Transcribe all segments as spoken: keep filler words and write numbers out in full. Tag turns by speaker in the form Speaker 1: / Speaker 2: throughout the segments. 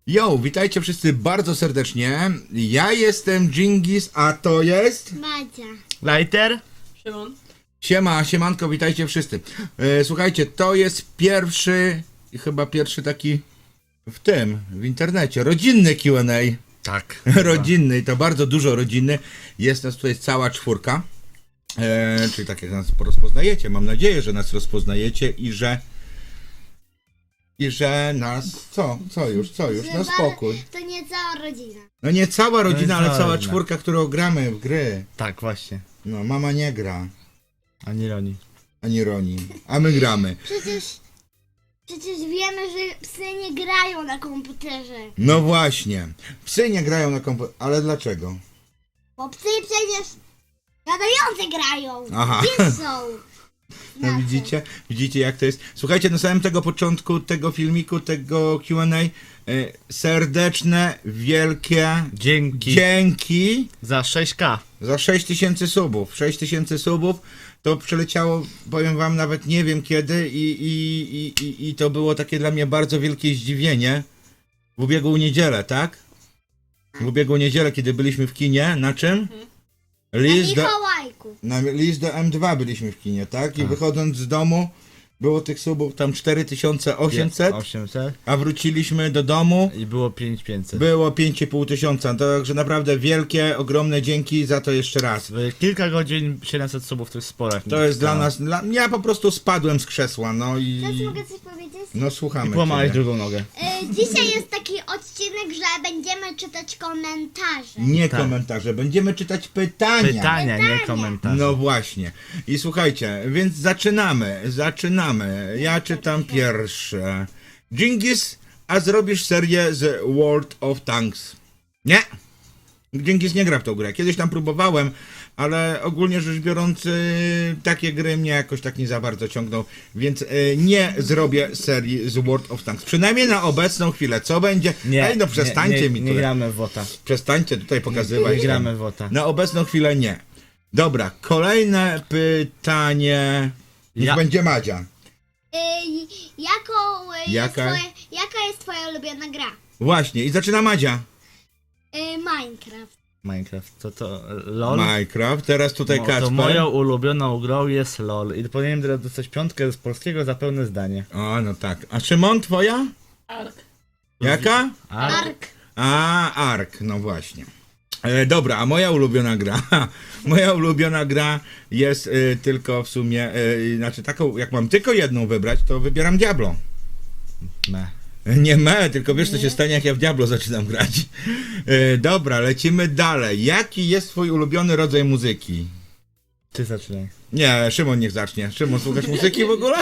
Speaker 1: Yo, witajcie wszyscy bardzo serdecznie. Ja jestem Dżingis, a to jest...
Speaker 2: Madzia.
Speaker 3: Lighter?
Speaker 4: Szymon?
Speaker 1: Siema, siemanko, witajcie wszyscy. E, słuchajcie, to jest pierwszy, chyba pierwszy taki w tym, w internecie, rodzinny Q and A.
Speaker 3: Tak.
Speaker 1: Rodzinny, i to bardzo dużo rodziny. Jest nas tutaj cała czwórka. E, czyli tak jak nas rozpoznajecie, mam nadzieję, że nas rozpoznajecie i że... I że nas... Co? Co już? Co już? No spokój.
Speaker 2: To nie cała rodzina.
Speaker 1: No nie cała rodzina,
Speaker 3: No
Speaker 1: ale
Speaker 3: jest
Speaker 1: cała
Speaker 3: rodzina.
Speaker 1: czwórka, którą gramy w gry.
Speaker 3: Tak, właśnie.
Speaker 1: No, mama nie gra,
Speaker 3: Ani Roni.
Speaker 1: ani Roni, a my gramy.
Speaker 2: Przecież... Przecież wiemy, że psy nie grają na komputerze.
Speaker 1: No właśnie, psy nie grają na komputerze, ale dlaczego?
Speaker 2: Bo psy przecież gadające grają.
Speaker 1: Aha.
Speaker 2: Gdzie są?
Speaker 1: No
Speaker 2: Znaczy,
Speaker 1: widzicie, widzicie jak to jest. Słuchajcie, na samym tego początku tego filmiku, tego Q and A, e, serdeczne, wielkie
Speaker 3: Dzięki
Speaker 1: dzięki
Speaker 3: za sześć ka.
Speaker 1: za sześć tysięcy subów. sześć tysięcy subów to przeleciało, powiem wam, nawet nie wiem kiedy i, i, i, i, i to było takie dla mnie bardzo wielkie zdziwienie. W ubiegłą niedzielę, tak? W ubiegłą niedzielę, kiedy byliśmy w kinie, na czym?
Speaker 2: na
Speaker 1: List do,
Speaker 2: Mikołajku.
Speaker 1: na list do M dwa byliśmy w kinie, tak? I
Speaker 3: Tak.
Speaker 1: wychodząc z domu było tych subów tam cztery tysiące osiemset,
Speaker 3: osiemset.
Speaker 1: a wróciliśmy do domu,
Speaker 3: I było pięć tysięcy pięćset.
Speaker 1: było pięć i pół tysiąca. Także naprawdę wielkie, ogromne dzięki za to jeszcze raz.
Speaker 3: W kilka godzin siedemset subów to jest spore.
Speaker 1: To jest dla
Speaker 3: No.
Speaker 1: nas, dla, ja po prostu spadłem z krzesła, no i...
Speaker 2: Teraz mogę coś powiedzieć?
Speaker 1: No
Speaker 3: I
Speaker 1: słuchamy
Speaker 3: połamałeś
Speaker 1: ciebie.
Speaker 3: drugą nogę.
Speaker 2: Y, dzisiaj jest taki odcinek, że będziemy czytać komentarze.
Speaker 1: Nie
Speaker 3: Tak.
Speaker 1: komentarze, będziemy czytać pytania.
Speaker 3: Pytania, nie komentarze.
Speaker 1: No właśnie. I słuchajcie, więc zaczynamy, zaczynamy. Ja czytam pierwsze. Dżingis, a zrobisz serię z World of Tanks? Nie. Dżingis nie gra w tą grę. Kiedyś tam próbowałem, ale ogólnie rzecz biorąc, y, takie gry mnie jakoś tak nie za bardzo ciągną, więc y, nie zrobię serii z World of Tanks. Przynajmniej na obecną chwilę. Co będzie?
Speaker 3: Nie,
Speaker 1: Ej, no przestańcie
Speaker 3: nie, nie,
Speaker 1: mi
Speaker 3: Nie
Speaker 1: tutaj.
Speaker 3: gramy w WOTA.
Speaker 1: Przestańcie tutaj pokazywać.
Speaker 3: Nie gramy w WOTA.
Speaker 1: Na obecną chwilę nie. Dobra, kolejne pytanie. Niech
Speaker 3: Ja-
Speaker 1: będzie Madzia.
Speaker 2: Y, jaką, y, jest
Speaker 1: Jaka?
Speaker 2: twoja, jaka jest twoja ulubiona gra?
Speaker 1: Właśnie, i zaczyna Madzia.
Speaker 2: Y, Minecraft.
Speaker 3: Minecraft. To to LOL.
Speaker 1: Minecraft, teraz tutaj
Speaker 3: No,
Speaker 1: Kacper.
Speaker 3: to moją ulubioną grą jest LOL. I powinienem teraz dostać piątkę z polskiego za pełne zdanie.
Speaker 1: O, no tak. A Szymon, twoja?
Speaker 4: Ark.
Speaker 1: Jaka?
Speaker 3: A,
Speaker 2: Ark.
Speaker 1: A, Ark, no właśnie. E, dobra, a moja ulubiona gra, moja ulubiona gra jest e, tylko w sumie, e, znaczy taką, jak mam tylko jedną wybrać, to wybieram Diablo.
Speaker 3: me.
Speaker 1: Nie me, tylko wiesz co się stanie, jak ja w Diablo zaczynam grać. E, dobra, lecimy dalej. Jaki jest twój ulubiony rodzaj muzyki?
Speaker 3: Ty zaczynaj.
Speaker 1: Nie, Szymon niech zacznie. Szymon, słuchasz muzyki w ogóle?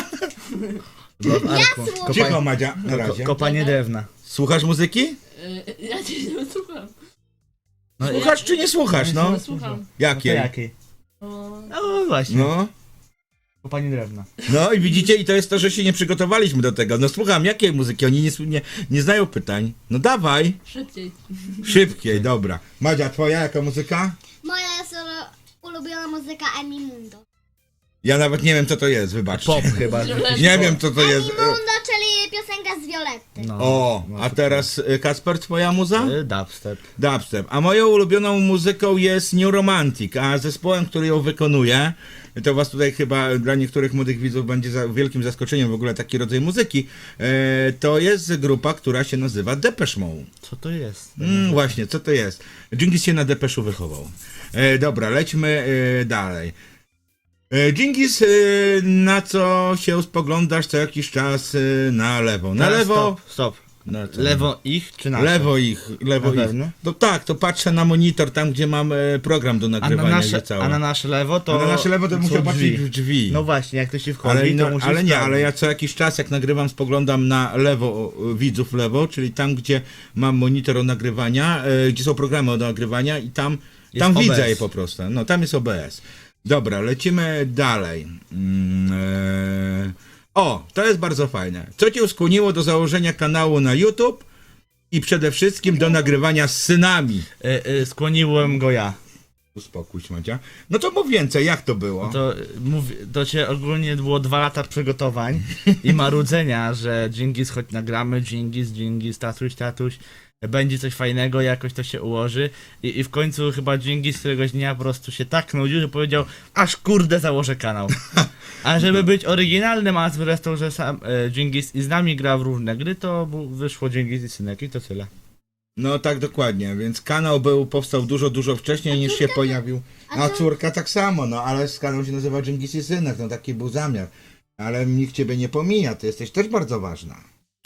Speaker 3: W Arku.
Speaker 2: słucham.
Speaker 1: Cicho, Madzia, na
Speaker 3: Ko-
Speaker 1: razie.
Speaker 3: kopanie drewna.
Speaker 1: Słuchasz muzyki?
Speaker 4: Y, ja cię nie słucham.
Speaker 3: No,
Speaker 1: Słuchasz czy nie słuchasz, no?
Speaker 4: No, słucham.
Speaker 3: To
Speaker 1: Jakie?
Speaker 3: jakiej?
Speaker 4: O,
Speaker 3: No właśnie.
Speaker 1: No.
Speaker 3: Kopanie drewna.
Speaker 1: No i widzicie, i to jest to, że się nie przygotowaliśmy do tego. No słucham, jakiej muzyki? Oni nie, nie, nie znają pytań. No dawaj.
Speaker 4: szybciej.
Speaker 1: Szybkiej, dobra. Madzia, twoja jaka muzyka?
Speaker 2: Moja jest ulu- ulubiona muzyka Emimundo.
Speaker 1: Ja nawet nie wiem, co to jest, wybaczcie.
Speaker 3: Pop chyba.
Speaker 1: Nie wiem, co to jest.
Speaker 2: Emimundo, czyli piosenka z Violetty.
Speaker 3: No.
Speaker 1: O,
Speaker 3: No,
Speaker 1: a teraz y, Kacper, twoja muza?
Speaker 3: y, Dubstep.
Speaker 1: Dubstep. A moją ulubioną muzyką jest New Romantic, a zespołem, który ją wykonuje, to was tutaj chyba dla niektórych młodych widzów będzie za wielkim zaskoczeniem w ogóle taki rodzaj muzyki, e, to jest grupa, która się nazywa Depeche Mode.
Speaker 3: Co to jest?
Speaker 1: Mm, właśnie, co to jest? Dżingis się na Depeszu wychował. E, dobra, lećmy e, dalej. E, Dżingis, e, na co się spoglądasz co jakiś czas e, na lewo? Na
Speaker 3: Teraz
Speaker 1: lewo...
Speaker 3: Stop, stop.
Speaker 1: Na co?
Speaker 3: Lewo ich czy nasze?
Speaker 1: Lewo ich, lewo
Speaker 3: Na
Speaker 1: ich.
Speaker 3: pewno?
Speaker 1: No tak, to patrzę na monitor tam, gdzie mam e, program do
Speaker 3: A na,
Speaker 1: nagrywania.
Speaker 3: nasze,
Speaker 1: gdzie całe.
Speaker 3: a na nasze lewo to...
Speaker 1: A na nasze lewo to
Speaker 3: są
Speaker 1: muszę patrzeć
Speaker 3: drzwi.
Speaker 1: w drzwi.
Speaker 3: No właśnie, jak to się wchodzi,
Speaker 1: ale,
Speaker 3: to
Speaker 1: no,
Speaker 3: musisz
Speaker 1: ale nie,
Speaker 3: sprawdzić.
Speaker 1: ale ja co jakiś czas jak nagrywam spoglądam na lewo, o, widzów lewo, czyli tam gdzie mam monitor do nagrywania, e, gdzie są programy do nagrywania i tam,
Speaker 3: Jest
Speaker 1: tam
Speaker 3: O B S.
Speaker 1: widzę je po prostu. No tam jest O B S. Dobra, lecimy dalej. Mm, e, o, to jest bardzo fajne. Co cię skłoniło do założenia kanału na YouTube i przede wszystkim do nagrywania z synami?
Speaker 3: Y, y, skłoniłem go ja.
Speaker 1: Uspokój się, Madzia. No to mów więcej, jak to było?
Speaker 3: To, y, mów, to cię ogólnie było dwa lata przygotowań i marudzenia, że Dżingis, chodź nagramy, Dżingis, Dżingis, tatuś, tatuś, będzie coś fajnego, jakoś to się ułoży. I, i w końcu chyba Dżingis któregoś dnia po prostu się tak nudził, że powiedział, aż kurde założę kanał. A żeby być oryginalnym, a zresztą, że sam e, Dżingis i z nami gra w różne gry, to bu- wyszło Dżingis i Synek i to tyle.
Speaker 1: No tak, dokładnie, więc kanał był, powstał dużo, dużo wcześniej niż się pojawił. A córka tak samo, no ale kanał się nazywa Dżingis i Synek, no taki był zamiar. Ale nikt ciebie nie pomija, ty jesteś też bardzo ważna.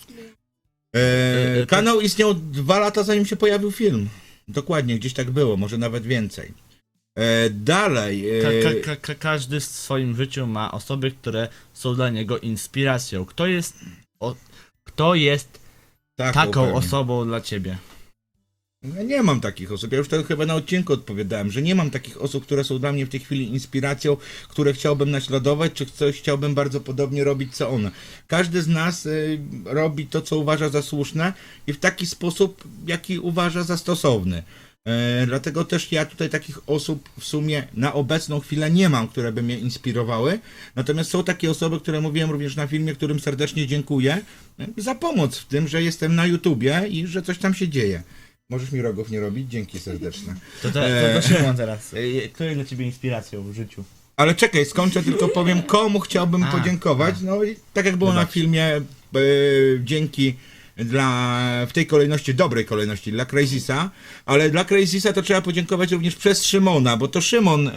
Speaker 1: E, kanał istniał dwa lata zanim się pojawił film. Dokładnie, gdzieś tak było, może nawet więcej. E, dalej.
Speaker 3: Ka-
Speaker 1: E,
Speaker 3: ka- ka- ka- każdy w swoim życiu ma osoby, które są dla niego inspiracją. Kto jest, o, kto jest
Speaker 1: taką
Speaker 3: taką
Speaker 1: pewnie.
Speaker 3: osobą dla ciebie?
Speaker 1: Ja nie mam takich osób. Ja już to chyba na odcinku odpowiadałem, że nie mam takich osób, które są dla mnie w tej chwili inspiracją, które chciałbym naśladować, czy coś chciałbym bardzo podobnie robić, co one. Każdy z nas y, robi to, co uważa za słuszne i w taki sposób, jaki uważa za stosowny. E, dlatego też ja tutaj takich osób w sumie na obecną chwilę nie mam, które by mnie inspirowały. Natomiast są takie osoby, które mówiłem również na filmie, którym serdecznie dziękuję e, za pomoc w tym, że jestem na YouTubie i że coś tam się dzieje. Możesz mi rogów nie robić? Dzięki serdeczne.
Speaker 3: To, to, to, to Szymon teraz. E, Kto jest dla ciebie inspiracją w życiu?
Speaker 1: Ale czekaj, skończę, tylko powiem, komu chciałbym
Speaker 3: A,
Speaker 1: podziękować. No i tak jak było na
Speaker 3: Wybacz.
Speaker 1: filmie, e, dzięki dla, w tej kolejności, dobrej kolejności, dla Crazisa, ale dla Crazisa to trzeba podziękować również przez Szymona, bo to Szymon e,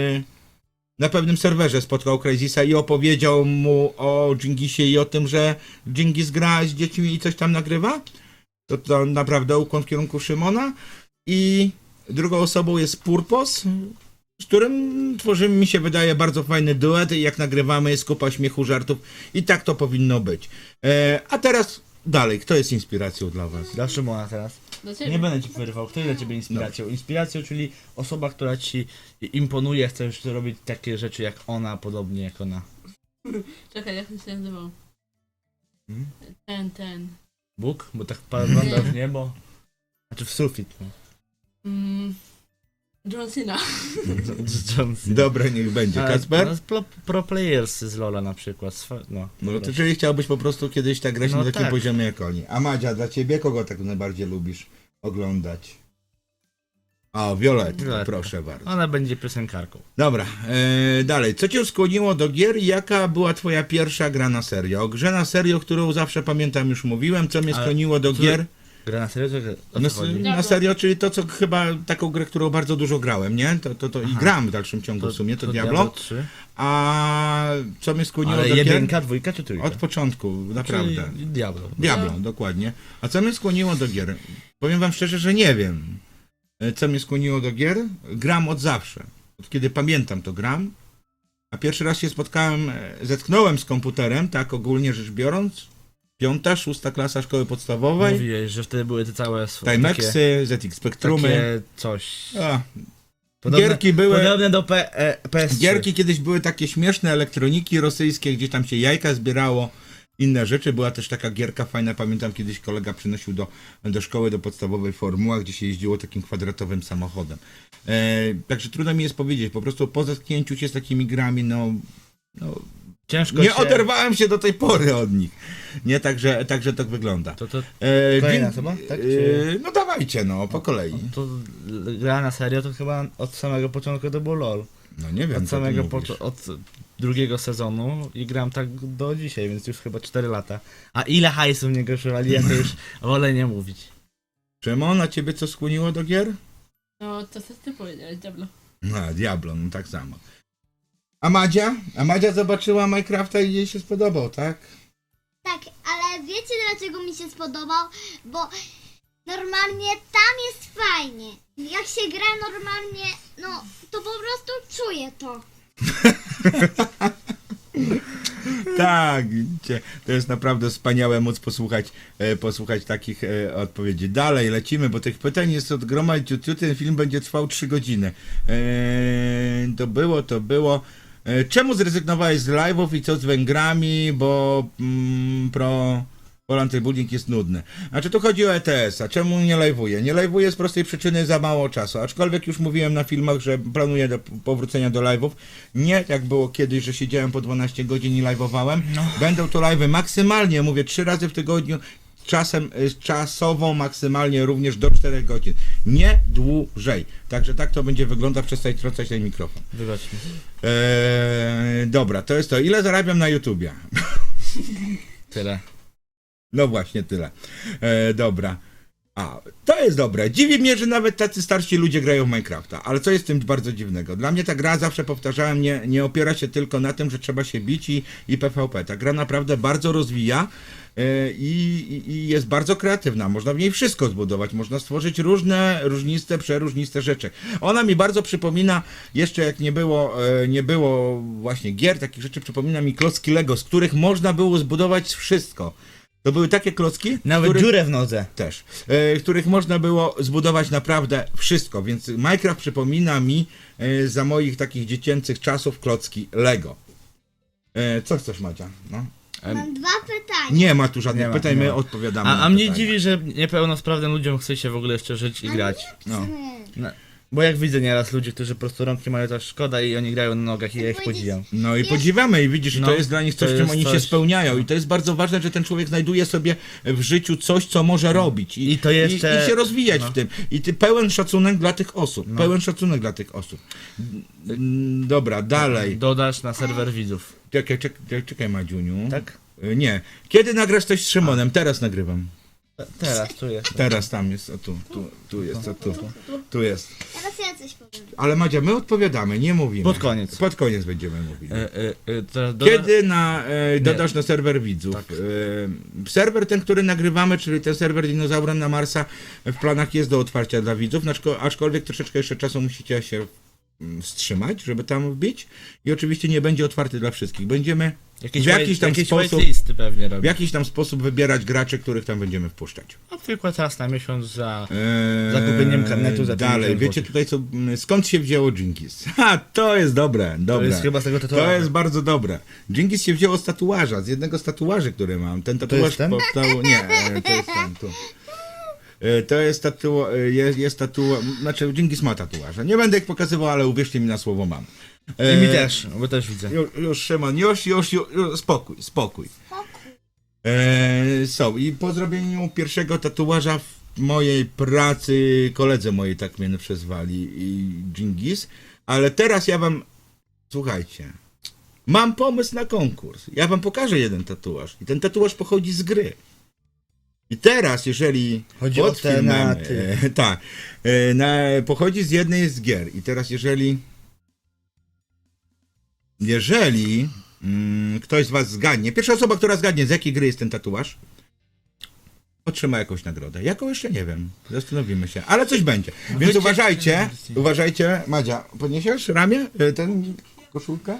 Speaker 1: na pewnym serwerze spotkał Crazisa i opowiedział mu o Dżingisie i o tym, że Dżingis gra z dziećmi i coś tam nagrywa. To, to naprawdę ukłon w kierunku Szymona. I drugą osobą jest Purpos, z którym tworzymy, mi się wydaje, bardzo fajny duet i jak nagrywamy jest kupa śmiechu, żartów i tak to powinno być. E, a teraz dalej, kto jest inspiracją dla was?
Speaker 3: Dla Szymona teraz.
Speaker 4: Do ciebie.
Speaker 3: Nie będę ci wyrywał. Kto jest dla ciebie inspiracją? Inspiracją, czyli osoba, która ci imponuje, chcesz robić takie rzeczy jak ona, podobnie jak ona.
Speaker 4: Czekaj, jak on się nazywał?
Speaker 3: Hmm?
Speaker 4: Ten, ten.
Speaker 3: Bóg? Bo tak pagląda w niebo. Znaczy w sufit. No.
Speaker 4: Mm, John Cena.
Speaker 3: John Cena.
Speaker 1: Dobre, niech będzie.
Speaker 3: Ale-
Speaker 1: Kacper?
Speaker 3: No, pro, pro players z Lola na przykład. Swa- No,
Speaker 1: No to czyli chciałbyś po prostu kiedyś tak grać
Speaker 3: No
Speaker 1: na takim
Speaker 3: tak.
Speaker 1: poziomie jak oni. A Madzia, dla ciebie kogo tak najbardziej lubisz oglądać? O, Violet,
Speaker 3: Violetta.
Speaker 1: proszę bardzo.
Speaker 3: Ona będzie piosenkarką.
Speaker 1: Dobra, e, dalej. Co cię skłoniło do gier i jaka była twoja pierwsza gra na serio? O grze na serio, którą zawsze pamiętam, już mówiłem. Co mnie
Speaker 3: Ale
Speaker 1: skłoniło do
Speaker 3: co-
Speaker 1: gier?
Speaker 3: Gra na serio? To, o
Speaker 1: Na,
Speaker 3: co chodzi?
Speaker 1: na serio, czyli to, co chyba taką grę, którą bardzo dużo grałem, nie? To, to, to i
Speaker 3: Aha.
Speaker 1: gram w dalszym ciągu w sumie, to, Diablo.
Speaker 3: trzy.
Speaker 1: A co mnie skłoniło
Speaker 3: Ale
Speaker 1: do gier?
Speaker 3: jedynka, dwójka czy trójka?
Speaker 1: Od początku, naprawdę.
Speaker 3: Czyli Diablo.
Speaker 1: Diablo, dokładnie. A co mnie skłoniło do gier? Powiem wam szczerze, że nie wiem. E, Co mnie skłoniło do gier? Gram od zawsze. Od kiedy pamiętam, to gram. A pierwszy raz się spotkałem, e, zetknąłem z komputerem, tak ogólnie rzecz biorąc. Piąta, szósta klasa szkoły podstawowej.
Speaker 3: Mówiłeś, że wtedy były te całe sw- takie,
Speaker 1: Timexy, Z X Spectrumy.
Speaker 3: takie coś.
Speaker 1: A,
Speaker 3: Podobne,
Speaker 1: gierki były...
Speaker 3: Podobne do P, e, P S trzy.
Speaker 1: Gierki kiedyś były takie śmieszne, elektroniki rosyjskie, gdzie tam się jajka zbierało, inne rzeczy. Była też taka gierka fajna, pamiętam kiedyś kolega przynosił do, do szkoły, do podstawowej Formuła, gdzie się jeździło takim kwadratowym samochodem. E, także trudno mi jest powiedzieć, po prostu po zetknięciu się z takimi grami, no... no
Speaker 3: Ciężko
Speaker 1: nie
Speaker 3: się...
Speaker 1: oderwałem się do tej pory od nich. Nie, także, także tak wygląda.
Speaker 3: To, to,
Speaker 1: E,
Speaker 3: Kolejna
Speaker 1: dzień-
Speaker 3: osoba, tak?
Speaker 1: e,
Speaker 3: Czy-
Speaker 1: no dawajcie, no, po kolei.
Speaker 3: to gra na serio to chyba od samego początku to był LOL.
Speaker 1: No nie wiem,
Speaker 3: Od
Speaker 1: co ty
Speaker 3: samego
Speaker 1: mówisz.
Speaker 3: po, od drugiego sezonu i gram tak do dzisiaj, więc już chyba cztery lata. A ile hajsu w niego przywali, ja to już wolę nie mówić.
Speaker 1: Szymon, a ciebie co skłoniło do gier?
Speaker 4: No, to co ty powiedziałeś, Diablo.
Speaker 1: No, Diablo, no tak samo. A Madzia? A Madzia zobaczyła Minecrafta i jej się spodobał, tak?
Speaker 2: Tak, ale wiecie dlaczego mi się spodobał? Bo normalnie tam jest fajnie. Jak się gra normalnie, no to po prostu czuję to.
Speaker 1: Tak, widzicie, to jest naprawdę wspaniałe móc posłuchać, e, posłuchać takich e, odpowiedzi. Dalej lecimy, bo tych pytań jest od groma ciuciu, ten film będzie trwał trzy godziny. E, to było, to było. E, czemu zrezygnowałeś z live'ów i co z Węgrami, bo mm, pro... Polanty Building jest nudny. Znaczy tu chodzi o E T S a. Czemu nie live'uję? Nie live'uję z prostej przyczyny za mało czasu. Aczkolwiek już mówiłem na filmach, że planuję do powrócenia do live'ów. Nie jak było kiedyś, że siedziałem po dwanaście godzin i live'owałem.
Speaker 3: No.
Speaker 1: Będą to live'y maksymalnie, mówię, trzy razy w tygodniu. Czasem y, czasową maksymalnie również do czterech godzin. Nie dłużej. Także tak to będzie wyglądać. Przestań trącać ten mikrofon.
Speaker 3: Wybacz mi.
Speaker 1: Eee, dobra, to jest to. Ile zarabiam na YouTubie?
Speaker 3: Tyle.
Speaker 1: No właśnie, tyle. E, dobra. A, to jest dobre. Dziwi mnie, że nawet tacy starsi ludzie grają w Minecrafta, ale co jest w tym bardzo dziwnego? Dla mnie ta gra, zawsze powtarzałem, nie, nie opiera się tylko na tym, że trzeba się bić i, i P V P. Ta gra naprawdę bardzo rozwija e, i, i, i jest bardzo kreatywna. Można w niej wszystko zbudować. Można stworzyć różne, różniste, przeróżniste rzeczy. Ona mi bardzo przypomina, jeszcze jak nie było, e, nie było właśnie gier, takich rzeczy, przypomina mi klocki Lego, z których można było zbudować wszystko. To były takie klocki,
Speaker 3: Nawet
Speaker 1: których,
Speaker 3: dziurę w nodze.
Speaker 1: też, e, których można było zbudować naprawdę wszystko, więc Minecraft przypomina mi e, za moich takich dziecięcych czasów klocki Lego. E, co chcesz, Madzia? No.
Speaker 2: Mam dwa pytania.
Speaker 1: Nie ma tu żadnych
Speaker 3: Nie ma,
Speaker 1: pytań,
Speaker 3: nie
Speaker 1: my
Speaker 3: ma.
Speaker 1: odpowiadamy
Speaker 3: A,
Speaker 1: na
Speaker 3: a mnie
Speaker 1: pytania.
Speaker 3: dziwi, że niepełnosprawnym ludziom chce się w ogóle jeszcze żyć i grać.
Speaker 1: No.
Speaker 3: No, bo jak widzę nieraz ludzi, którzy po prostu rączki mają tak szkoda i oni grają na nogach i ja ich podziwiam.
Speaker 1: No i
Speaker 2: Jest-
Speaker 1: podziwiamy i widzisz, i to
Speaker 3: No,
Speaker 1: jest dla nich coś,
Speaker 3: to
Speaker 1: czym
Speaker 3: jest
Speaker 1: oni się
Speaker 3: coś-
Speaker 1: spełniają i to jest bardzo ważne, że ten człowiek znajduje sobie w życiu coś, co może robić i,
Speaker 3: I to jeszcze-
Speaker 1: i, i się rozwijać
Speaker 3: no.
Speaker 1: w tym. I ty pełen szacunek dla tych osób, pełen szacunek dla tych osób. Mm, Dobra, dalej.
Speaker 3: Dodasz na serwer widzów.
Speaker 1: Czekaj, czekaj, czekaj Madziuniu.
Speaker 3: Tak?
Speaker 1: Y, Nie. Kiedy nagrasz coś z Szymonem? Teraz nagrywam.
Speaker 3: Te- Teraz, tu jest.
Speaker 1: Teraz tam jest, o tu, tu, tu jest, o tu, tu jest.
Speaker 2: Teraz ja coś powiem.
Speaker 1: Ale Madzia, my odpowiadamy, nie mówimy.
Speaker 3: Pod koniec.
Speaker 1: Pod koniec będziemy mówili.
Speaker 3: E, e, e, teraz doda...
Speaker 1: Kiedy na, e, dodasz na serwer widzów?
Speaker 3: Tak.
Speaker 1: E, serwer ten, który nagrywamy, czyli ten serwer Dinozaurem na Marsa, w planach jest do otwarcia dla widzów, aczko- aczkolwiek troszeczkę jeszcze czasu musicie się mm, wstrzymać, żeby tam wbić i oczywiście nie będzie otwarty dla wszystkich. Będziemy
Speaker 3: Jakieś,
Speaker 1: w jakiś
Speaker 3: white-
Speaker 1: tam
Speaker 3: jakieś
Speaker 1: sposób,
Speaker 3: whitelisty pewnie
Speaker 1: w
Speaker 3: robią.
Speaker 1: jakiś tam sposób wybierać graczy, których tam będziemy wpuszczać.
Speaker 3: Na przykład raz na miesiąc za...
Speaker 1: Eee,
Speaker 3: Zakupieniem karnetu za
Speaker 1: Dalej,
Speaker 3: pięćdziesiąt
Speaker 1: wiecie
Speaker 3: złotych.
Speaker 1: tutaj co, m, skąd się wzięło Dżingis? Ha, to jest dobre,
Speaker 3: To
Speaker 1: dobre.
Speaker 3: jest chyba z tego
Speaker 1: To
Speaker 3: tatuażu.
Speaker 1: jest bardzo dobre. Dżingis się wzięło z tatuaża, z jednego z tatuaży, który mam. Ten tatuaż
Speaker 3: jest ten?
Speaker 1: powstał... Nie, e, to jest ten, tu. E, To jest tatuaż, jest, jest tatuaż, znaczy Dżingis ma tatuaże. Nie będę ich pokazywał, ale uwierzcie mi na słowo mam.
Speaker 3: I mi
Speaker 1: E,
Speaker 3: też, bo też widzę.
Speaker 1: Już, już Szymon, już, już, już, już spokój, spokój.
Speaker 2: Spokój.
Speaker 1: E, są i po zrobieniu pierwszego tatuaża w mojej pracy, koledzy mojej tak mnie przezwali i Dżingis, ale teraz ja wam, słuchajcie, mam pomysł na konkurs. Ja wam pokażę jeden tatuaż i ten tatuaż pochodzi z gry. I teraz, jeżeli
Speaker 3: Chodzi o
Speaker 1: pod
Speaker 3: te
Speaker 1: filmem,
Speaker 3: na ty.
Speaker 1: e, tak, e, na, pochodzi z jednej z gier i teraz jeżeli jeżeli mm, ktoś z was zgadnie, pierwsza osoba, która zgadnie, z jakiej gry jest ten tatuaż, otrzyma jakąś nagrodę. Jaką jeszcze nie wiem. Zastanowimy się. Ale coś będzie. Więc
Speaker 3: Wycie-
Speaker 1: uważajcie, uważajcie. Madzia, podniesiesz ramię? Y, Ten koszulkę?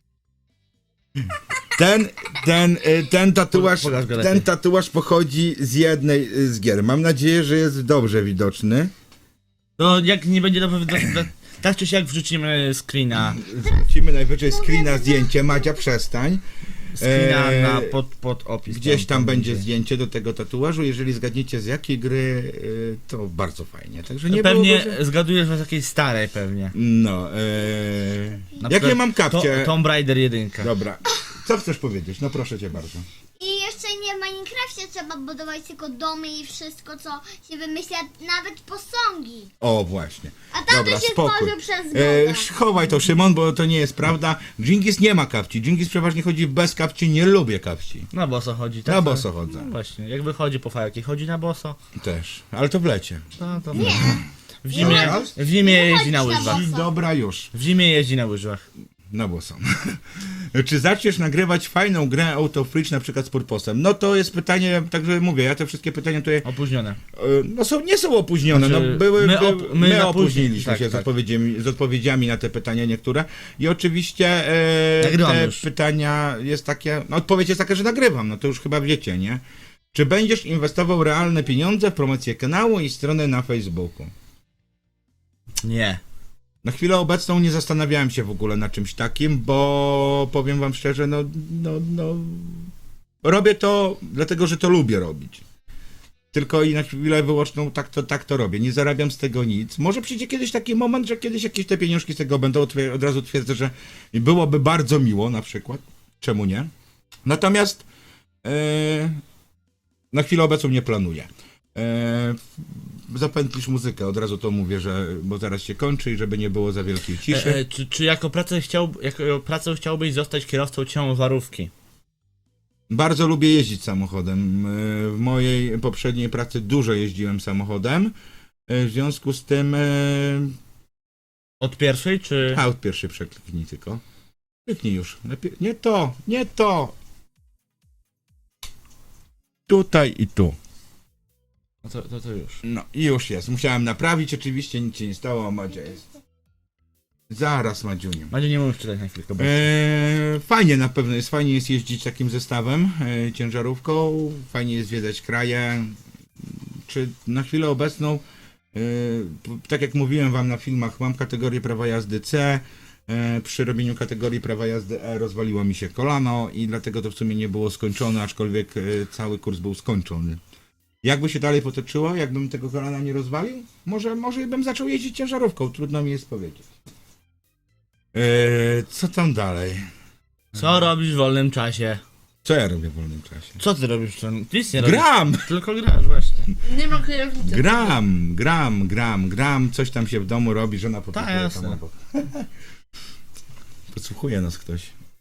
Speaker 1: Ten, ten, y, ten tatuaż,
Speaker 3: Pokaż go
Speaker 1: ten
Speaker 3: lepiej.
Speaker 1: tatuaż pochodzi z jednej y, z gier. Mam nadzieję, że jest dobrze widoczny.
Speaker 3: No jak nie będzie dobrze widoczne, tak czy siak wrzucimy screena.
Speaker 1: Wrzucimy najwyżej screena zdjęcie. Madzia, przestań.
Speaker 3: Screena
Speaker 1: Eee,
Speaker 3: na pod, pod opis.
Speaker 1: Gdzieś tam będzie zdjęcie do tego tatuażu. Jeżeli zgadniecie z jakiej gry, y, to bardzo fajnie. Także nie
Speaker 3: Pewnie
Speaker 1: było, że...
Speaker 3: zgadujesz was jakiejś starej pewnie.
Speaker 1: No, e...
Speaker 3: Na
Speaker 1: jakie
Speaker 3: przykład
Speaker 1: mam kapcie?
Speaker 3: To, Tomb Raider jedynka.
Speaker 1: Dobra. Co chcesz powiedzieć? No proszę cię bardzo.
Speaker 2: I jeszcze nie w Minecrafcie trzeba budować tylko domy i wszystko, co się wymyśla, nawet posągi.
Speaker 1: O, właśnie.
Speaker 2: A tam
Speaker 1: Dobra,
Speaker 2: to się
Speaker 1: spokój.
Speaker 2: tworzy przez
Speaker 1: E,
Speaker 2: Boga.
Speaker 1: chowaj to, Szymon, bo to nie jest prawda. Dżingis nie ma kapci. Dżingis przeważnie chodzi bez kapci. Nie lubię kapci.
Speaker 3: Na boso chodzi, tak?
Speaker 1: Na boso chodzę.
Speaker 3: No właśnie, jak wychodzi po fajki, chodzi na boso.
Speaker 1: Też. Ale to w lecie.
Speaker 3: No to
Speaker 2: Nie.
Speaker 3: w zimie,
Speaker 1: Nie.
Speaker 3: w zimie
Speaker 2: Nie
Speaker 3: jeździ na
Speaker 2: chodzi na
Speaker 3: łyżwach.
Speaker 1: I
Speaker 2: boso.
Speaker 1: dobra już.
Speaker 3: W zimie jeździ na łyżwach.
Speaker 1: Na boso. Czy zaczniesz nagrywać fajną grę Auto Fridge na przykład z Purposem? No to jest pytanie, także mówię, ja te wszystkie pytania tutaj
Speaker 3: Opóźnione.
Speaker 1: E, No są, nie są opóźnione,
Speaker 3: Znaczy,
Speaker 1: no były,
Speaker 3: my
Speaker 1: my,
Speaker 3: op-
Speaker 1: my,
Speaker 3: my napóźni-
Speaker 1: opóźniliśmy
Speaker 3: tak,
Speaker 1: się z,
Speaker 3: tak.
Speaker 1: odpowiedziami, z odpowiedziami na te pytania niektóre i oczywiście e,
Speaker 3: Nagrywam
Speaker 1: te
Speaker 3: już.
Speaker 1: pytania jest takie, no odpowiedź jest taka, że nagrywam, no to już chyba wiecie, nie? Czy będziesz inwestował realne pieniądze w promocję kanału i strony na Facebooku?
Speaker 3: Nie.
Speaker 1: Na chwilę obecną nie zastanawiałem się w ogóle na czymś takim, bo powiem wam szczerze, no, no, no robię to dlatego, że to lubię robić. Tylko i na chwilę wyłączną tak to, tak to robię. Nie zarabiam z tego nic. Może przyjdzie kiedyś taki moment, że kiedyś jakieś te pieniążki z tego będą. Otwier- Od razu twierdzę, że byłoby bardzo miło na przykład. Czemu nie? Natomiast e, na chwilę obecną nie planuję. E, zapętlisz muzykę, od razu to mówię, że bo zaraz się kończy i żeby nie było za wielkiej ciszy.
Speaker 3: E, e, czy, czy jako pracę, chciał, jako pracę chciałbyś zostać kierowcą ciężarówki?
Speaker 1: Bardzo lubię jeździć samochodem. E, W mojej poprzedniej pracy dużo jeździłem samochodem. E, W związku z tym e,
Speaker 3: Od pierwszej, czy...
Speaker 1: a od pierwszy przekliknij tylko. Kliknij już. Lepiej. Nie to, nie to. Tutaj i tu.
Speaker 3: No to, to, to już.
Speaker 1: No i już jest. Musiałem naprawić, oczywiście nic się nie stało, a Madzia jest. Zaraz, Madziuniu.
Speaker 3: Macie nie możesz czytać na chwilkę. Bo...
Speaker 1: Eee, fajnie na pewno jest, fajnie jest jeździć takim zestawem, e, ciężarówką, fajnie jest zwiedzać kraje. Czy na chwilę obecną, e, p- tak jak mówiłem wam na filmach, mam kategorię prawa jazdy C, e, przy robieniu kategorii prawa jazdy E rozwaliło mi się kolano i dlatego to w sumie nie było skończone, aczkolwiek e, cały kurs był skończony. Jakby się dalej potoczyło, jakbym tego kolana nie rozwalił, może, może bym zaczął jeździć ciężarówką, trudno mi jest powiedzieć. Eee, co tam dalej?
Speaker 3: Co robisz w wolnym czasie?
Speaker 1: Co ja robię w wolnym czasie?
Speaker 3: Co ty robisz? Co- Nic nie robisz.
Speaker 1: Gram!
Speaker 3: Tylko grasz, właśnie.
Speaker 4: Nie ma kierownicy.
Speaker 1: Gram, gram, gram, gram, coś tam się w domu robi, żona
Speaker 3: Tak,
Speaker 1: podsłuchuje
Speaker 3: jasne.
Speaker 1: tam obok. Podsłuchuje nas ktoś.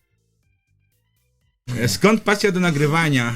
Speaker 1: E, Skąd pasja do nagrywania?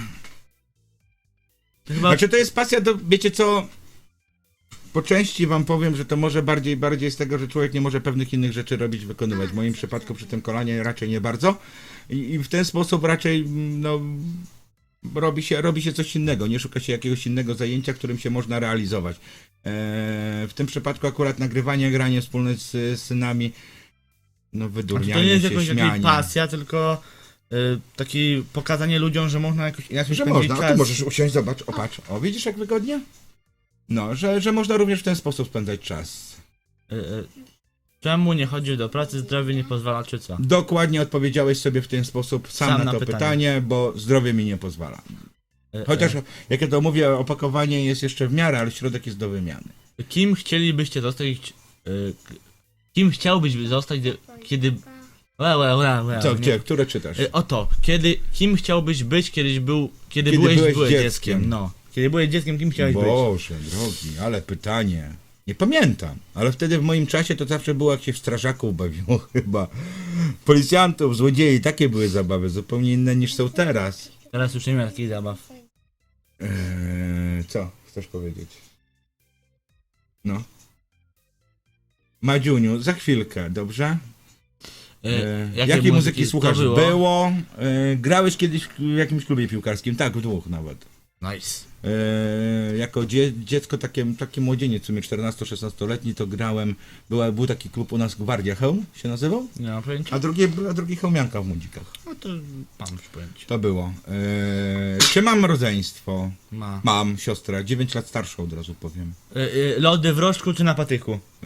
Speaker 3: To chyba...
Speaker 1: Znaczy to jest pasja do, wiecie co, po części wam powiem, że to może bardziej, bardziej z tego, że człowiek nie może pewnych innych rzeczy robić, wykonywać. W moim przypadku przy tym kolanie raczej nie bardzo. I, i w ten sposób raczej, no, robi się, robi się coś innego, nie szuka się jakiegoś innego zajęcia, którym się można realizować. E, w tym przypadku akurat nagrywanie, granie wspólne z, z synami, no
Speaker 3: Znaczy,
Speaker 1: wydurnianie
Speaker 3: to nie jest
Speaker 1: się,
Speaker 3: jakaś
Speaker 1: śmianie.
Speaker 3: jakaś pasja, tylko y, taki pokazanie ludziom, że można jakoś inaczej
Speaker 1: Że
Speaker 3: spędzić
Speaker 1: można, a
Speaker 3: czas.
Speaker 1: tu możesz usiąść, zobacz, o patrz, o widzisz jak wygodnie? No, że, że można również w ten sposób spędzać czas.
Speaker 3: Y, y, czemu nie chodzisz do pracy, zdrowie nie pozwala, czy co?
Speaker 1: Dokładnie odpowiedziałeś sobie w ten sposób sam,
Speaker 3: Sam
Speaker 1: na,
Speaker 3: na
Speaker 1: to
Speaker 3: pytanie.
Speaker 1: pytanie. bo zdrowie mi nie pozwala.
Speaker 3: Y,
Speaker 1: Chociaż, jak ja to mówię, opakowanie jest jeszcze w miarę, ale środek jest do wymiany.
Speaker 3: y, kim chcielibyście zostać... Y, k- kim chciałbyś zostać, gdy- kiedy... Łe, łe, łe, łe,
Speaker 1: Co,
Speaker 3: nie-
Speaker 1: gdzie, które czytasz?
Speaker 3: Y, Oto, kiedy, kim chciałbyś być, kiedyś był, kiedy,
Speaker 1: Kiedy
Speaker 3: byłeś,
Speaker 1: byłeś
Speaker 3: byłeś
Speaker 1: dzieckiem.
Speaker 3: dzieckiem. No, kiedy byłeś dzieckiem, kim chciałeś być?
Speaker 1: Boże, drogi, ale pytanie. Nie pamiętam, ale wtedy w moim czasie to zawsze było, jak się w strażaków bawiło chyba. Policjantów, złodziei, takie były zabawy, zupełnie inne niż są teraz.
Speaker 3: Teraz już nie ma takich zabaw.
Speaker 1: Eee, co chcesz powiedzieć? No. Madziuniu, za chwilkę, dobrze?
Speaker 3: Y,
Speaker 1: Eee,
Speaker 3: jakie
Speaker 1: jakiej muzyki
Speaker 3: to
Speaker 1: słuchasz?
Speaker 3: było?
Speaker 1: Było. Eee, grałeś kiedyś w jakimś klubie piłkarskim? Tak, w dwóch nawet.
Speaker 3: Nice.
Speaker 1: Eee, jako dzie dziecko, takie, taki młodzieniec, w sumie czternasto-szesnastoletni, to grałem, była, był taki klub u nas, Gwardia Chełm się nazywał,
Speaker 3: Nie mam pojęcia.
Speaker 1: a drugi, a drugi Chełmianka w Młodzikach.
Speaker 3: No to mam już pojęcie.
Speaker 1: To było. Eee, czy mam rodzeństwo?
Speaker 3: Ma.
Speaker 1: Mam siostrę, dziewięć lat starszą od razu powiem.
Speaker 3: Y, y, lody w rożku czy na patyku?
Speaker 1: Eee,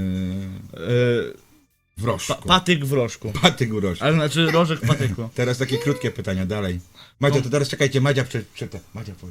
Speaker 3: Y,
Speaker 1: w
Speaker 3: pa,
Speaker 1: rożku.
Speaker 3: patyk w rożku.
Speaker 1: Patyk u rożku.
Speaker 3: Ale znaczy rożek w patyku.
Speaker 1: Teraz takie krótkie pytania, dalej. Madzia, to teraz czekajcie, Madzia przeczyta. Madzia powiedz.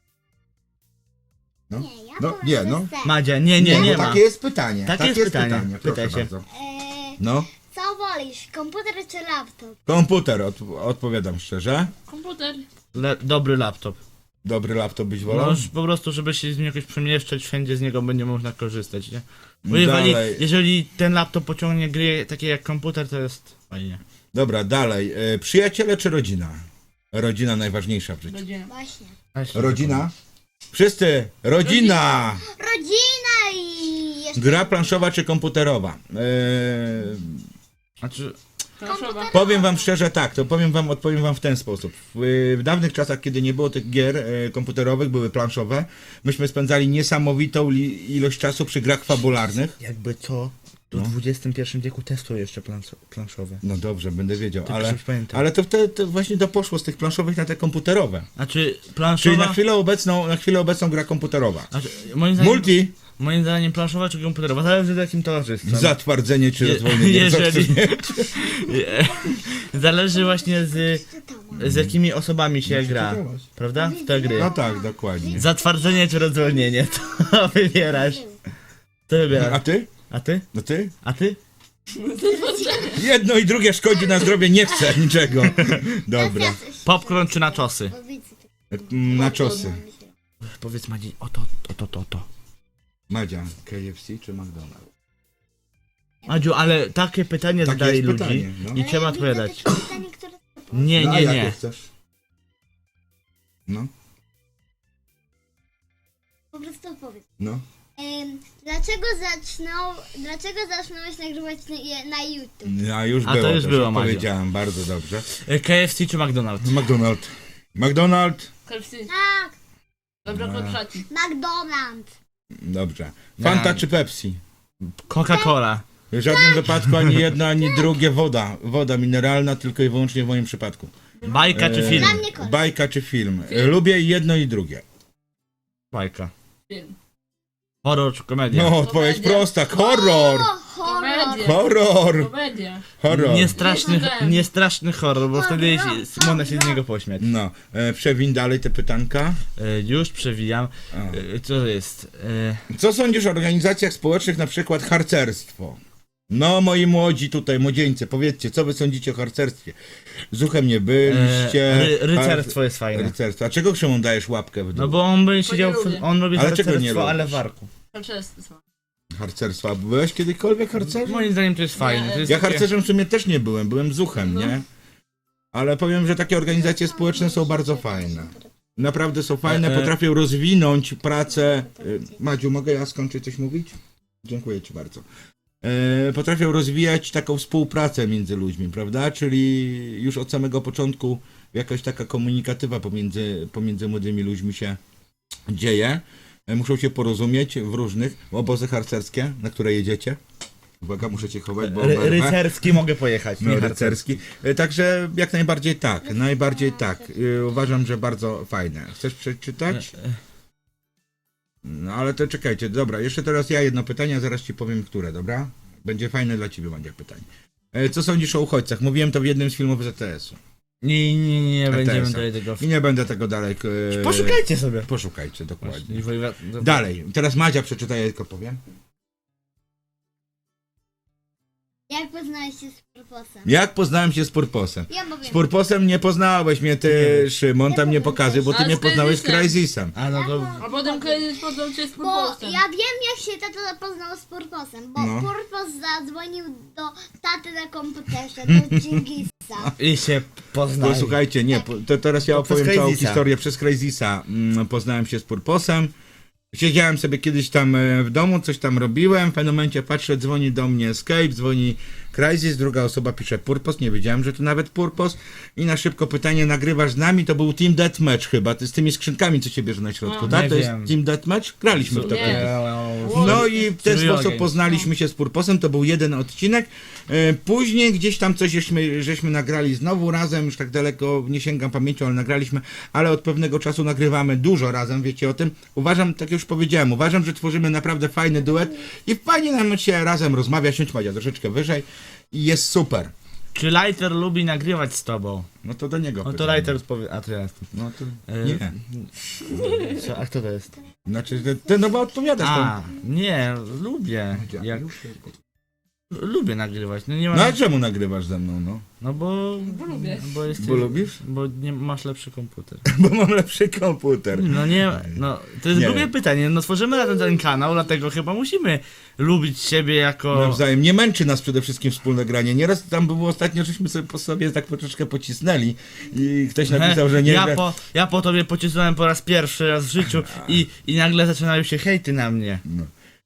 Speaker 1: No,
Speaker 2: Nie, ja
Speaker 1: no,
Speaker 2: powiem,
Speaker 1: nie,
Speaker 2: że
Speaker 1: no.
Speaker 2: ser.
Speaker 3: Madzia, nie, nie, nie
Speaker 1: bo
Speaker 3: ma.
Speaker 1: takie jest pytanie.
Speaker 3: Takie
Speaker 1: Takie
Speaker 3: jest pytanie.
Speaker 1: Proszę
Speaker 3: Pytaj się.
Speaker 1: bardzo.
Speaker 2: Eee,
Speaker 1: No,
Speaker 2: co wolisz, komputer czy laptop?
Speaker 1: komputer, od, odpowiadam szczerze.
Speaker 4: Komputer.
Speaker 3: Le, dobry laptop.
Speaker 1: Dobry laptop byś wolał?
Speaker 3: No, już po prostu, żeby się z nim jakoś przemieszczać, wszędzie z niego będzie można korzystać, nie? Bo jeżeli,
Speaker 1: Dalej.
Speaker 3: jeżeli ten laptop pociągnie gry takie jak komputer, to jest fajnie.
Speaker 1: Dobra, dalej. E, przyjaciele czy rodzina? Rodzina najważniejsza w życiu.
Speaker 4: Rodzina.
Speaker 2: Właśnie.
Speaker 1: Rodzina? Wszyscy! Rodzina!
Speaker 2: Rodzina i jeszcze
Speaker 1: Gra planszowa czy komputerowa? E,
Speaker 3: Znaczy,
Speaker 4: Planszowa.
Speaker 1: Powiem wam szczerze tak, to powiem wam, odpowiem wam w ten sposób. W, w dawnych czasach, kiedy nie było tych gier e, komputerowych, były planszowe, myśmy spędzali niesamowitą li, ilość czasu przy grach fabularnych.
Speaker 3: jakby co, w dwudziestym pierwszym wieku testują jeszcze plansz- planszowe.
Speaker 1: No dobrze, będę wiedział,
Speaker 3: Tylko
Speaker 1: ale,
Speaker 3: już pamiętam.
Speaker 1: ale to, to, to właśnie to poszło z tych planszowych na te komputerowe.
Speaker 3: Znaczy,
Speaker 1: Czyli
Speaker 3: planszowa...
Speaker 1: na chwilę obecną, na chwilę obecną gra komputerowa.
Speaker 3: Znaczy, moim zdaniem,
Speaker 1: Multi,
Speaker 3: moim zdaniem planszowa czy komputerowa, zależy w jakim towarzystwie.
Speaker 1: zatwardzenie czy
Speaker 3: Je-
Speaker 1: rozwolnienie. co
Speaker 3: jeżeli-
Speaker 1: chcesz mieć?
Speaker 3: Zależy właśnie z, z jakimi osobami się gra,
Speaker 1: czytałaś.
Speaker 3: prawda? W te gry.
Speaker 1: No tak, dokładnie.
Speaker 3: Zatwardzenie czy rozwolnienie, to wybierasz. To
Speaker 1: A
Speaker 3: wybierasz.
Speaker 1: ty?
Speaker 3: A ty?
Speaker 1: No ty?
Speaker 3: A ty?
Speaker 1: Jedno i drugie szkodzi na zdrowie, nie chcę niczego. Dobra.
Speaker 3: Popcorn czy naczosy?
Speaker 1: Mm, Na czosy.
Speaker 3: Powiedz Madzi, oto, oto, to, to.
Speaker 1: Madzia, K F C czy McDonald's?
Speaker 3: Madziu, ale takie pytanie
Speaker 1: Takie
Speaker 3: zadaje
Speaker 1: jest
Speaker 3: ludzi
Speaker 1: pytanie, no.
Speaker 3: i trzeba odpowiadać.
Speaker 2: Pytanie, które...
Speaker 3: Nie,
Speaker 1: No, a
Speaker 3: nie,
Speaker 1: jakie
Speaker 3: nie.
Speaker 1: chcesz? No,
Speaker 2: Po prostu powiedz.
Speaker 1: no.
Speaker 2: Em, dlaczego zaczną, dlaczego zaczynałeś nagrywać na, na YouTube?
Speaker 1: A już
Speaker 3: A
Speaker 1: było,
Speaker 3: to już było, Madziu.
Speaker 1: powiedziałem, bardzo dobrze.
Speaker 3: K F C czy McDonald's?
Speaker 1: McDonald's. McDonald's.
Speaker 4: K F C.
Speaker 2: Tak,
Speaker 4: Zabrakło trzaci.
Speaker 2: McDonald's.
Speaker 1: Dobrze. Fanta
Speaker 3: Nie.
Speaker 1: czy Pepsi?
Speaker 3: Coca-Cola.
Speaker 1: W żadnym wypadku ani jedno, ani drugie woda. Woda mineralna, tylko i wyłącznie w moim przypadku.
Speaker 3: Bajka czy
Speaker 1: Eee,
Speaker 3: film?
Speaker 2: Dla mnie kolor.
Speaker 1: Bajka czy film? Lubię jedno i drugie.
Speaker 3: Bajka.
Speaker 4: Film.
Speaker 3: Horror czy komedia?
Speaker 1: No, odpowiedź
Speaker 4: Komedia.
Speaker 1: prosta. Horror!
Speaker 2: O, horror.
Speaker 4: Komedia.
Speaker 1: Horror!
Speaker 4: Komedia.
Speaker 1: Horror.
Speaker 3: Niestraszny,
Speaker 4: Nie
Speaker 3: niestraszny horror, bo wtedy
Speaker 2: Horror,
Speaker 3: się- można się z niego pośmiać.
Speaker 1: No, e, przewin dalej te pytanka.
Speaker 3: E, już przewijam.
Speaker 1: A.
Speaker 3: E, co to jest? E,
Speaker 1: Co sądzisz o organizacjach społecznych, na przykład harcerstwo? No, moi młodzi tutaj, młodzieńcy, powiedzcie, co wy sądzicie o harcerstwie? Z uchem nie byliście.
Speaker 3: e, ry, rycerstwo jest fajne.
Speaker 1: Rycerstwo. A czego Szymon dajesz łapkę w dół?
Speaker 3: No bo on by siedział, w,
Speaker 4: lubię.
Speaker 3: on robi
Speaker 1: Ale czego nie
Speaker 3: harcerstwo, ale
Speaker 1: lubisz?
Speaker 3: w arku.
Speaker 4: Harcerstwo.
Speaker 1: Harcerstwa. A byłeś kiedykolwiek harcerzem?
Speaker 3: Moim zdaniem to jest fajne. To jest
Speaker 1: Ja
Speaker 3: takie-
Speaker 1: harcerzem w sumie też nie byłem, byłem zuchem,
Speaker 4: No.
Speaker 1: nie? Ale powiem, że takie organizacje społeczne są bardzo fajne. Naprawdę są fajne,
Speaker 3: E, e.
Speaker 1: potrafią rozwinąć pracę. Y, Madziu, mogę ja skończyć coś mówić? Dziękuję ci bardzo. E, Potrafią rozwijać taką współpracę między ludźmi, prawda? Czyli już od samego początku jakaś taka komunikatywa pomiędzy, pomiędzy młodymi ludźmi się dzieje. E, Muszą się porozumieć w różnych obozy harcerskie, na które jedziecie. Uwaga, muszę cię chować, bo
Speaker 3: Ry,
Speaker 1: oberwę.
Speaker 3: rycerski mogę pojechać.
Speaker 1: No,
Speaker 3: nie
Speaker 1: rycerski. E, Także jak najbardziej tak, najbardziej tak. E, Uważam, że bardzo fajne. Chcesz przeczytać? No ale to czekajcie, dobra, jeszcze teraz ja jedno pytanie, a zaraz ci powiem, które, dobra? Będzie fajne dla ciebie, będzie pytanie. E, Co sądzisz o uchodźcach? Mówiłem to w jednym z filmów Z T S-u.
Speaker 3: Nie, nie, nie, nie
Speaker 1: E T S-a.
Speaker 3: będziemy tutaj tego...
Speaker 1: I nie będę tego dalej... e,
Speaker 3: Poszukajcie sobie.
Speaker 1: Poszukajcie, dokładnie.
Speaker 3: Właśnie, wojewa-
Speaker 1: Dalej, teraz Madzia przeczyta, ja tylko powiem.
Speaker 2: Jak poznałeś się z Purposem?
Speaker 1: Jak poznałem się z Purposem?
Speaker 2: Ja powiem.
Speaker 1: Z Purposem nie poznałeś mnie, ty,
Speaker 3: Nie.
Speaker 1: Szymon, tam nie pokazuj, bo ty
Speaker 4: Ale
Speaker 1: mnie
Speaker 4: z
Speaker 1: poznałeś z
Speaker 4: Crysisem.
Speaker 1: Crysisem.
Speaker 3: A no to...
Speaker 4: A potem kiedyś poznał cię z
Speaker 2: Bo
Speaker 4: Purposem.
Speaker 2: ja wiem, jak się tata poznał z Purposem, bo
Speaker 1: No.
Speaker 2: Purpos zadzwonił do taty na komputerze, do Dżingisa.
Speaker 3: I się poznali.
Speaker 1: No słuchajcie, nie, po- to teraz ja
Speaker 3: To przez
Speaker 1: opowiem całą
Speaker 3: Crysisa.
Speaker 1: historię przez Crysisa. Mm, Poznałem się z Purposem. Siedziałem sobie kiedyś tam e, w domu, coś tam robiłem. W pewnym momencie patrzę, dzwoni do mnie Escape, dzwoni Crysis, druga osoba pisze Purpos, nie wiedziałem, że to nawet Purpos. I na szybko pytanie, nagrywasz z nami? To był Team Deathmatch chyba, ty z tymi skrzynkami, co się bierze na środku,
Speaker 4: A,
Speaker 1: tak?
Speaker 3: nie
Speaker 1: To jest
Speaker 3: wiem.
Speaker 1: Team Deathmatch? Graliśmy w to
Speaker 4: Nie.
Speaker 1: kiedyś. No i w ten
Speaker 3: Trójogień.
Speaker 1: sposób poznaliśmy się z Purposem, to był jeden odcinek. E, Później gdzieś tam coś żeśmy, żeśmy nagrali znowu razem, już tak daleko nie sięgam pamięcią, ale nagraliśmy, ale od pewnego czasu nagrywamy dużo razem, wiecie o tym. Uważam, tak jak już powiedziałem, uważam, że tworzymy naprawdę fajny duet i fajnie nam się razem rozmawia, siądź Madzia troszeczkę wyżej i jest super.
Speaker 3: Czy Lighter lubi nagrywać z tobą?
Speaker 1: No to do niego
Speaker 3: No to
Speaker 1: pytanie.
Speaker 3: Lighter powie... A to ja jestem.
Speaker 1: No to
Speaker 3: E,
Speaker 1: nie.
Speaker 3: Co, a kto to jest?
Speaker 1: Znaczy, ty- ty no bo odpowiadasz tam.
Speaker 3: A, nie, lubię. Jak, lubię nagrywać. No nie ma...
Speaker 1: No a czemu nagrywasz ze mną, no?
Speaker 3: No bo...
Speaker 4: Bo lubię.
Speaker 3: Bo, jesteś,
Speaker 1: Bo lubisz?
Speaker 3: Bo nie masz lepszy komputer.
Speaker 1: Bo mam lepszy komputer.
Speaker 3: No nie, no to jest
Speaker 1: Nie.
Speaker 3: głupie pytanie. No tworzymy razem ten kanał, dlatego chyba musimy lubić siebie jako...
Speaker 1: Nawzajem. Nie męczy nas przede wszystkim wspólne granie. Nieraz tam było ostatnio, żeśmy sobie po sobie tak troszeczkę pocisnęli i ktoś napisał, że nie
Speaker 3: ja,
Speaker 1: gra-
Speaker 3: po, ja po tobie pocisnąłem po raz pierwszy raz w życiu i, i nagle zaczynają się hejty na mnie.
Speaker 1: No.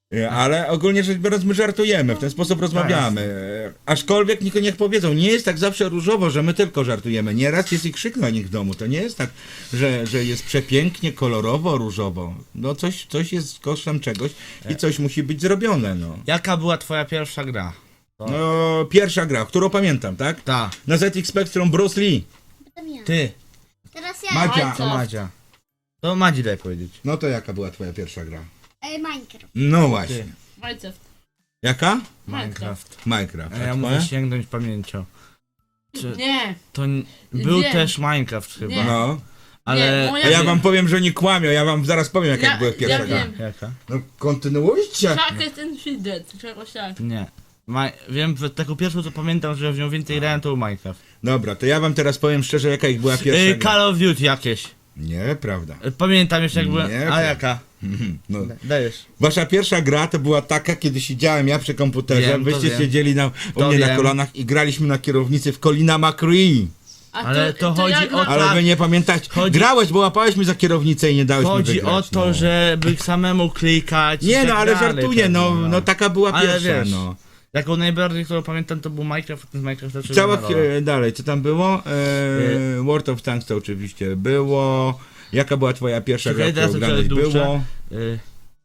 Speaker 1: E, Ale ogólnie rzecz biorąc, my żartujemy, w ten sposób rozmawiamy. E, Aczkolwiek niech, niech powiedzą, nie jest tak zawsze różowo, że my tylko żartujemy. Nieraz jest i krzyk na nich w domu. To nie jest tak, że, że jest przepięknie, kolorowo, różowo. No coś, coś jest kosztem czegoś i coś musi być zrobione, no.
Speaker 3: Jaka była twoja pierwsza gra?
Speaker 1: No, pierwsza gra, którą pamiętam, tak?
Speaker 3: Ta.
Speaker 1: Na Z X Spectrum Bruce Lee.
Speaker 2: Potem ja.
Speaker 3: Ty.
Speaker 2: Teraz ja.
Speaker 1: Madzia.
Speaker 3: To Madzia. To Madzi daj powiedzieć.
Speaker 1: No to jaka była twoja pierwsza gra?
Speaker 2: E, Minecraft.
Speaker 1: No właśnie.
Speaker 3: Ty.
Speaker 4: Minecraft.
Speaker 1: Jaka?
Speaker 3: Minecraft.
Speaker 1: Minecraft.
Speaker 3: A ja
Speaker 1: A
Speaker 3: muszę
Speaker 1: twoja?
Speaker 3: sięgnąć pamięcią. Czy
Speaker 4: Nie.
Speaker 3: to n- był
Speaker 4: Wiem.
Speaker 3: też Minecraft chyba.
Speaker 4: Nie.
Speaker 1: No.
Speaker 3: Ale.
Speaker 4: Nie, moja-
Speaker 1: A ja wam powiem, że nie kłamią, ja wam zaraz powiem, jaka
Speaker 4: Ja-
Speaker 1: była
Speaker 4: ja
Speaker 1: pierwsza gra.
Speaker 4: wiem.
Speaker 3: Jaka?
Speaker 1: No kontynuujcie.
Speaker 4: Chucket and Feeded, czegoś tak.
Speaker 3: Nie. Ma... Wiem, że taką pierwszą co pamiętam, że w nią więcej grałem, to był Minecraft.
Speaker 1: Dobra, to ja wam teraz powiem szczerze, jaka ich była pierwsza
Speaker 3: Yy,
Speaker 1: gra.
Speaker 3: Call of Duty jakieś.
Speaker 1: Nie, prawda.
Speaker 3: Yy, Pamiętam jeszcze jak byłem.
Speaker 1: Nie,
Speaker 3: A
Speaker 1: prawda.
Speaker 3: jaka?
Speaker 1: No.
Speaker 3: Dajesz.
Speaker 1: Wasza pierwsza gra to była taka, kiedy siedziałem ja przy komputerze,
Speaker 3: Wiem, to
Speaker 1: wyście
Speaker 3: wiem.
Speaker 1: siedzieli na, u
Speaker 3: To
Speaker 1: mnie na
Speaker 3: wiem.
Speaker 1: kolanach i graliśmy na kierownicy w Colina McCree.
Speaker 4: A
Speaker 3: Ale to chodzi
Speaker 4: jak
Speaker 3: o
Speaker 4: na-
Speaker 3: to-
Speaker 1: Ale
Speaker 3: Tak.
Speaker 1: wy nie pamiętacie.
Speaker 3: Chodzi-
Speaker 1: Grałeś, bo łapałeś mi za kierownicę i nie dałeś mi
Speaker 3: Chodzi
Speaker 1: wygrać.
Speaker 3: o to,
Speaker 1: no.
Speaker 3: żeby samemu klikać. i
Speaker 1: Nie
Speaker 3: tak
Speaker 1: no, ale
Speaker 3: dalej,
Speaker 1: żartuję, no,
Speaker 3: pewnie,
Speaker 1: no taka była
Speaker 3: Ale
Speaker 1: pierwsza,
Speaker 3: wiesz,
Speaker 1: no.
Speaker 3: Taką najbardziej, którą pamiętam, to był Minecraft, a ten z Minecraft zaczął
Speaker 1: Cała
Speaker 3: na rola.
Speaker 1: chwila- dalej, co tam było? E, World of Tanks to oczywiście było. Jaka była twoja pierwsza
Speaker 3: Czekaj,
Speaker 1: gra, którą
Speaker 3: teraz
Speaker 1: grałeś?
Speaker 3: trochę dłuższe.
Speaker 1: Było.
Speaker 3: Yy,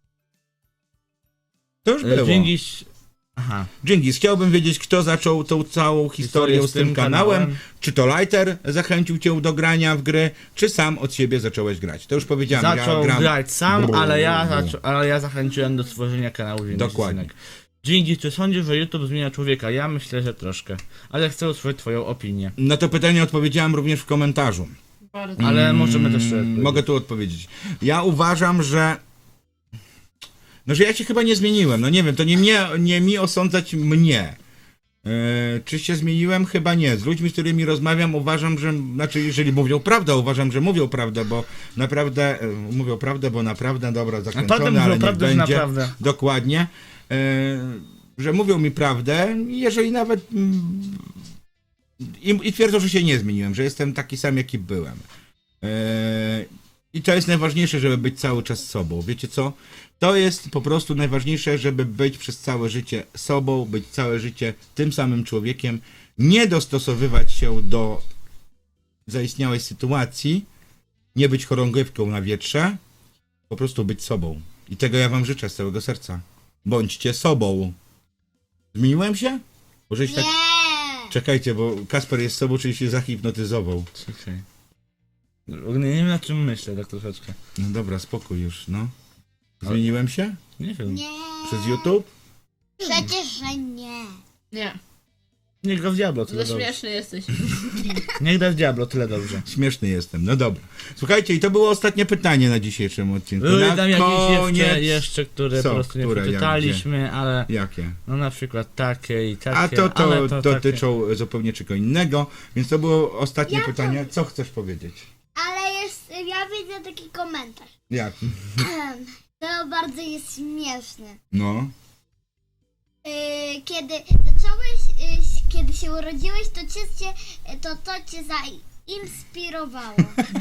Speaker 1: To już
Speaker 3: yy,
Speaker 1: było.
Speaker 3: Dżingis... Aha.
Speaker 1: Dżingis, chciałbym wiedzieć, kto zaczął tą całą historię z tym kanałem. Czy to Lighter zachęcił cię do grania w gry, czy sam od siebie zacząłeś grać? To już powiedziałem,
Speaker 3: Zaczął
Speaker 1: ja gram...
Speaker 3: grać sam,
Speaker 1: Brrr.
Speaker 3: ale ja, zaczą, ale ja zachęciłem do stworzenia kanału Dżingis.
Speaker 1: Dokładnie.
Speaker 3: Dżingis, czy sądzisz, że YouTube zmienia człowieka? Ja myślę, że troszkę. Ale chcę usłyszeć twoją opinię.
Speaker 1: Na to pytanie odpowiedziałem również w komentarzu.
Speaker 4: Bardzo.
Speaker 3: Ale możemy też
Speaker 1: Mm,
Speaker 3: sobie
Speaker 1: Mogę tu odpowiedzieć. Ja uważam, że... No, że ja się chyba nie zmieniłem. No nie wiem, to nie, mnie, nie mi osądzać mnie. Yy, czy się zmieniłem? Chyba nie. Z ludźmi, z którymi rozmawiam, uważam, że... Znaczy, jeżeli mówią prawdę, uważam, że mówią prawdę, bo naprawdę... Yy, mówią prawdę, bo naprawdę, dobra,
Speaker 3: A potem
Speaker 1: zakręcone, ale
Speaker 3: mówią
Speaker 1: niech
Speaker 3: prawdę, że
Speaker 1: będzie.
Speaker 3: naprawdę.
Speaker 1: Dokładnie. Yy, że mówią mi prawdę, jeżeli nawet... mm, I, I twierdzą, że się nie zmieniłem, że jestem taki sam, jaki byłem. Yy, I to jest najważniejsze, żeby być cały czas sobą. Wiecie co? To jest po prostu najważniejsze, żeby być przez całe życie sobą, być całe życie tym samym człowiekiem, nie dostosowywać się do zaistniałej sytuacji, nie być chorągiewką na wietrze, po prostu być sobą. I tego ja wam życzę z całego serca. Bądźcie sobą. Zmieniłem się? Może się tak...
Speaker 2: Nie.
Speaker 1: Czekajcie, bo Kasper jest sobą, czyli się zahipnotyzował.
Speaker 3: Czekaj. Nie wiem, na czym myślę tak troszeczkę.
Speaker 1: No dobra, spokój już, no. Zmieniłem się?
Speaker 3: Nie wiem.
Speaker 2: Nie.
Speaker 1: Przez YouTube?
Speaker 2: Przecież, że nie.
Speaker 4: Nie.
Speaker 3: Niech gra w Diablo, tyle
Speaker 4: Za
Speaker 3: dobrze.
Speaker 4: śmieszny jesteś.
Speaker 3: Niech gra w Diablo, tyle dobrze.
Speaker 1: Śmieszny jestem, no dobra. Słuchajcie, i to było ostatnie pytanie na dzisiejszym odcinku.
Speaker 3: Były
Speaker 1: na
Speaker 3: tam jakieś
Speaker 1: koniec...
Speaker 3: jeszcze, jeszcze, które
Speaker 1: Co?
Speaker 3: po prostu nie
Speaker 1: Które, jak,
Speaker 3: przeczytaliśmy, ale
Speaker 1: Jakie?
Speaker 3: no na przykład takie i takie.
Speaker 1: A to, to,
Speaker 3: ale to
Speaker 1: dotyczą zupełnie czego innego, więc to było ostatnie
Speaker 2: Ja to-
Speaker 1: pytanie. Co chcesz powiedzieć?
Speaker 2: Ale jest, ja widzę taki komentarz.
Speaker 1: Jak?
Speaker 2: To bardzo jest śmieszne.
Speaker 1: No.
Speaker 2: Yy, kiedy zacząłeś, yy, kiedy się urodziłeś, to cię, cię, to, to cię zainspirowało.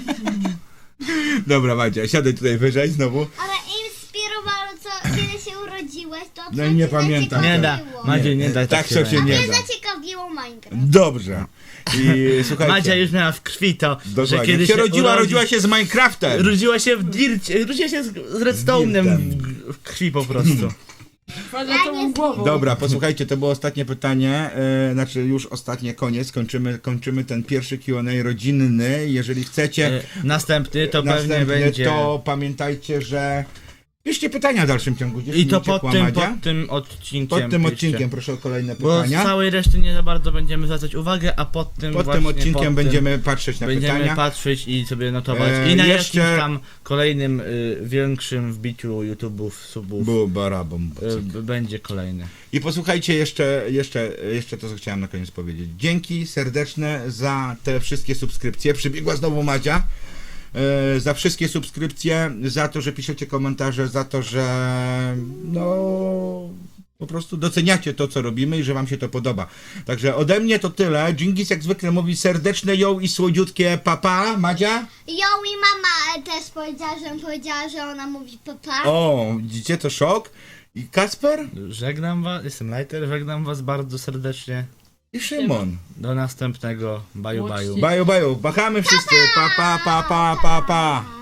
Speaker 1: Dobra, Madzia, siadaj tutaj wyżej znowu.
Speaker 2: Ale inspirowało, co kiedy się urodziłeś, to co
Speaker 1: No i nie
Speaker 2: cię
Speaker 1: pamiętam.
Speaker 3: Nie da.
Speaker 2: zaciekawiło.
Speaker 3: Madzie, nie daj
Speaker 1: Tak
Speaker 3: się
Speaker 1: to się
Speaker 3: robić.
Speaker 1: nie
Speaker 2: Mnie
Speaker 1: da.
Speaker 2: zaciekawiło Minecraft.
Speaker 1: Dobrze. I słuchajcie.
Speaker 3: Madzia już miała w krwi to, że
Speaker 1: Dokładnie.
Speaker 3: kiedy
Speaker 1: Jak się rodziła,
Speaker 3: urodzi-
Speaker 1: rodziła się z Minecraftem.
Speaker 3: Rodziła się w dircie, rodziła się z, z redstone'em w, w krwi po prostu.
Speaker 4: Wchodzę
Speaker 2: Ja
Speaker 4: tą
Speaker 2: nie
Speaker 4: głową.
Speaker 1: Dobra, posłuchajcie, to było ostatnie pytanie, e, znaczy już ostatnie, koniec, kończymy, kończymy ten pierwszy Q and A rodzinny, jeżeli chcecie
Speaker 3: E, Następny to pewnie
Speaker 1: następny,
Speaker 3: będzie...
Speaker 1: to pamiętajcie, że piszcie pytania w dalszym ciągu. Gdzieś
Speaker 3: I to
Speaker 1: nie
Speaker 3: pod
Speaker 1: uciekła
Speaker 3: tym,
Speaker 1: Madzia.
Speaker 3: pod tym odcinkiem.
Speaker 1: Pod tym
Speaker 3: piszcie.
Speaker 1: odcinkiem proszę o kolejne
Speaker 3: Bo z
Speaker 1: pytania.
Speaker 3: całej reszty nie za bardzo będziemy zwracać uwagę, a pod tym
Speaker 1: Pod
Speaker 3: właśnie,
Speaker 1: tym odcinkiem
Speaker 3: pod
Speaker 1: będziemy patrzeć na
Speaker 3: tym będziemy
Speaker 1: pytania.
Speaker 3: patrzeć i sobie notować.
Speaker 1: E,
Speaker 3: I na
Speaker 1: jeszcze-
Speaker 3: jakimś tam kolejnym y, większym wbiciu YouTube'ów, subów
Speaker 1: Bu, barabum,
Speaker 3: y, b- będzie kolejny.
Speaker 1: I posłuchajcie jeszcze, jeszcze, jeszcze to, co chciałem na koniec powiedzieć. Dzięki serdeczne za te wszystkie subskrypcje. Przybiegła znowu Madzia. E, za wszystkie subskrypcje, za to, że piszecie komentarze, za to, że no po prostu doceniacie to, co robimy i że wam się to podoba. Także ode mnie to tyle. Dżingis jak zwykle mówi serdeczne ją i słodziutkie papa. Madzia?
Speaker 2: Ją i mama też powiedziała, że powiedziała, że ona mówi papa.
Speaker 1: O, widzicie, to szok. I Kasper
Speaker 3: Żegnam was, jestem Lighter, żegnam was bardzo serdecznie.
Speaker 1: i Szymon.
Speaker 3: Do następnego. Baju, baju.
Speaker 4: Łącznie.
Speaker 1: Baju, baju, machamy wszyscy. Pa, pa, pa, pa, pa, pa.